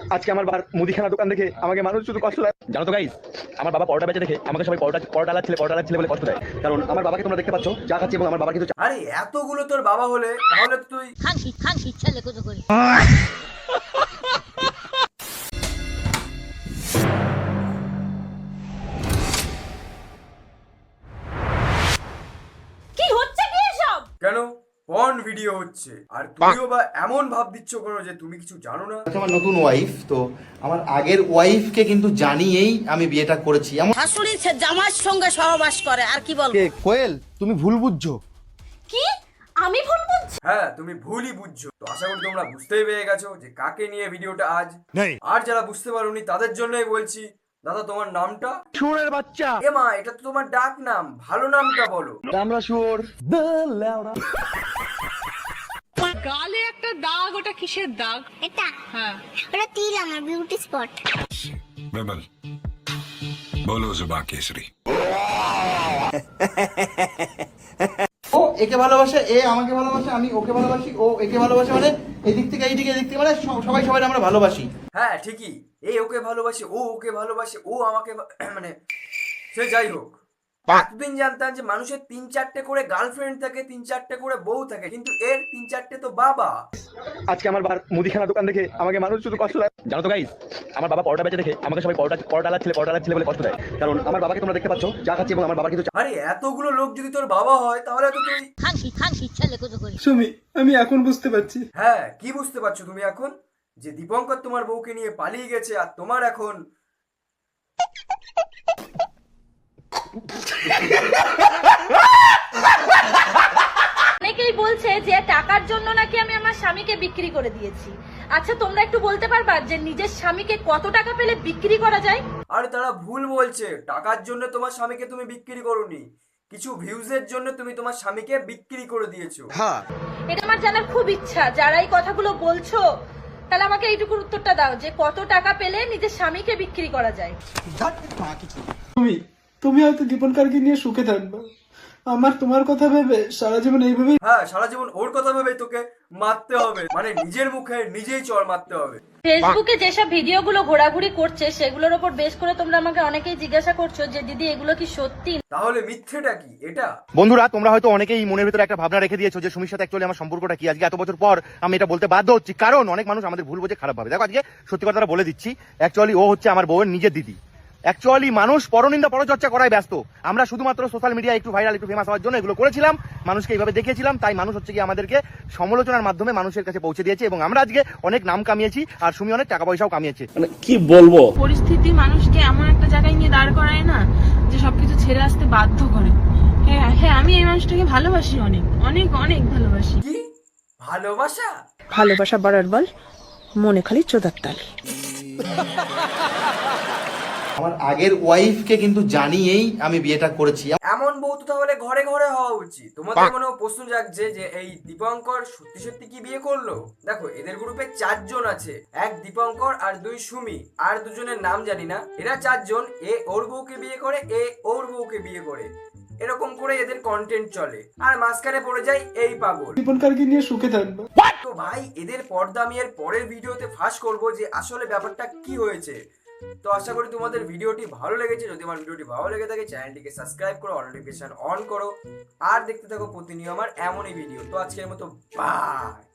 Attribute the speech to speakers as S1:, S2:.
S1: আজকে আমার মুদিখানা দোকান দেখে আমাকে মানুষ শুধু কষ্ট দেয়, জানো তো গাইস। আমার বাবা পরোটা বেচে দেখে আমাকে সবাই পরোটা লাচ্ছিলে বলে কষ্ট দেয়, কারণ আমার বাবাকে তোমরা দেখতে পাচ্ছ যা খাচ্ছে, এবং আমার বাবা কিন্তু
S2: আরে এতগুলো তোর বাবা হলে তাহলে তো তুই
S3: খানকি ছেলে কত করে। কি হচ্ছে কি এসব?
S2: কেন পর্ন ভিডিও হচ্ছে আর তুমিও বা এমন ভাব দিচ্ছ কেন যে তুমি কিছু জানো না?
S4: আমার নতুন ওয়াইফ তো, আমার আগের ওয়াইফকে কিন্তু জানিয়েই আমি বিয়েটা করেছি। এমন
S3: শাশুড়ি জামার সঙ্গে সহবাস করে আর কি বলবো।
S4: কোয়েল, তুমি ভুল বুঝছো।
S3: কি আমি ভুল বলছি?
S2: হ্যাঁ তুমি ভুলই বুঝছো। তো আশা করি তোমরা বুঝতেই পেরে গেছো যে কাকে নিয়ে ভিডিওটা আজ। আর যারা বুঝতে পারোনি তাদের জন্যই বলছি, দাদা তোমার নামটা?
S1: শুয়োরের বাচ্চা।
S2: এ মা, এটা তো তোমার ডাক নাম, ভালো নামটা বলো।
S1: আমরা শুয়োর।
S5: গালে একটা দাগ, ওটা কিসের দাগ?
S6: এটা
S5: হ্যাঁ,
S6: ওটা তিল, আমার বিউটি স্পট।
S7: विमल बोलो जुबा केसरी।
S4: ও একে ভালোবাসে, এ আমাকে ভালোবাসে, আমি ওকে ভালোবাসি, ও একে ভালোবাসে, মানে এদিক থেকে এইদিকে, এদিক থেকে, মানে সবাই সবাই আমরা ভালোবাসি।
S2: হ্যাঁ ঠিকই, এ ওকে ভালোবাসে, ও ওকে ভালোবাসে, ও আমাকে মানে সে যাই হোক। এতদিন জানতাম যে মানুষের 3-4টে করে গার্লফ্রেন্ড থাকে, 3-4টে করে বউ থাকে, কিন্তু এর 3-4টে তো বাবা।
S1: আজকে আমার মুদিখানা দোকান দেখে আমাকে মানুষ শুধু কষ্ট দেয়, জানো তো গাইস। আমার বাবা পরোটা বেচে দেখে আমাকে সবাই পরোটা লাচ্ছিলে বলে কষ্ট দেয়, কারণ আমার বাবাকে তোমরা দেখতে পাচ্ছ যা খাচ্ছে, এবং আমার বাবা কিন্তু
S2: আরে এতগুলো লোক যদি তোর বাবা হয় তাহলে তো তুই
S3: খানকি ছেলে কত করে।
S8: সুমি, আমি এখন বুঝতে পারছি।
S2: হ্যাঁ কি বুঝতে পারছো তুমি এখন? যে দীপঙ্কর তোমার বউকে নিয়ে পালিয়ে গেছে আর তোমার এখন
S9: অনেকেই বলছে যে টাকার জন্য নাকি আমি আমার স্বামীকে বিক্রি করে দিয়েছি। আচ্ছা তোমরা একটু বলতে পারবা যে নিজের স্বামীকে কত টাকা পেলে বিক্রি করা যায়?
S2: আরে তারা ভুল বলছে, টাকার জন্য তোমার স্বামীকে তুমি বিক্রি করোনি, কিছু ভিউজের জন্য তুমি তোমার স্বামীকে বিক্রি করে দিয়েছো।
S9: এটা আমার জানার খুব ইচ্ছা। যারা এই কথাগুলো বলছো তাহলে আমাকে এইটুকুর উত্তরটা দাও যে কত টাকা পেলে নিজের স্বামীকে বিক্রি করা যায়।
S8: সুমি, তুমি হয়তো দীপনকারকে নিয়ে সুখে থাকবে, আমার তোমার কথা ভেবে সারা জীবন এইভাবে।
S2: হ্যাঁ সারা জীবন ওর কথা ভেবে তোকে মারতে হবে, মানে নিজের মুখে নিজেই চড় মারতে হবে।
S9: ফেসবুকে যেসব ভিডিওগুলো ঘোরাঘুরি করছে সেগুলোর উপর বেশ করে তোমরা আমাকে অনেকেই জিজ্ঞাসা করছো যে দিদি এগুলো কি সত্যি?
S2: তাহলে মিথ্যেটা কি এটা?
S4: বন্ধুরা, তোমরা হয়তো অনেকেই মনের ভিতরে একটা ভাবনা রেখে দিয়েছো যে সুমির সাথে অ্যাকচুয়ালি আমার সম্পর্কটা কি। আজকে এত বছর পর আমি এটা বলতে বাধ্য হচ্ছি, কারণ অনেক মানুষ আমাদের ভুল বোঝে, খারাপ ভাবে। দেখো আজকে সত্যি কথাটা বলে দিচ্ছি, অ্যাকচুয়ালি ও হচ্ছে আমার বউয়ের নিজের দিদি। অ্যাকচুয়ালি মানুষ পরনিন্দা পরচর্চা করায় ব্যস্ত, আমরা শুধুমাত্র সোশ্যাল মিডিয়া একটু ভাইরাল, একটু ফেমাস হওয়ার জন্য এগুলো করেছিলাম, মানুষকে এইভাবে দেখিয়েছিলাম, তাই মানুষ হচ্ছে কি আমাদেরকে সমালোচনার মাধ্যমে মানুষের কাছে পৌঁছে দিয়েছে, এবং আমরা আজকে অনেক নাম কামিয়েছি আর সুমি অনেক টাকা পয়সাও কামিয়েছে।
S5: মানে কি বলবো, পরিস্থিতি মানুষকে এমন একটা জায়গায় নিয়ে দাঁড় করায় না যে সবকিছু ছেড়ে আসতে বাধ্য করে। হ্যাঁ হ্যাঁ, আমি এই মানুষটাকে ভালোবাসি, অনেক অনেক অনেক ভালোবাসি।
S2: কি ভালোবাসা?
S10: ভালোবাসা বাড়ার বল, মনে খালি চোদার তাল।
S4: আমার আগের ওয়াইফকে কিন্তু জানিয়েই আমি বিয়েটা করেছি।
S2: এমন বউ তো তাহলে ঘরে ঘরে হওয়া উচিত। তোমাদের মনে প্রশ্ন জাগছে যে এই দীপঙ্কর সত্যি সত্যি কি বিয়ে করলো? দেখো এদের গ্রুপে 4 জন আছে, এক দীপঙ্কর আর 2 সুমি, আর দুজনের নাম জানি না। এরা 4 জন, এ ওর বউকে বিয়ে করে, এ ওর বউকে বিয়ে করে, এরকম করে এদের কন্টেন্ট চলে, আর মাঝখানে পড়ে যায় এই পাগল।
S8: দীপনকারকে নিয়ে সুখে থাকবে।
S2: তো ভাই এদের পর্দা আমি এর পরের ভিডিওতে ফাঁস করবো যে আসলে ব্যাপারটা কি হয়েছে। তো আশা করি তোমাদের ভিডিওটি ভালো লেগেছে। যদি আমার ভিডিওটি ভালো লেগে থাকে চ্যানেলটিকে সাবস্ক্রাইব করো, নোটিফিকেশন অন করো, আর দেখতে থাকো প্রতিনিয়ত আমার এমনই ভিডিও। তো আজকের মতো বাই।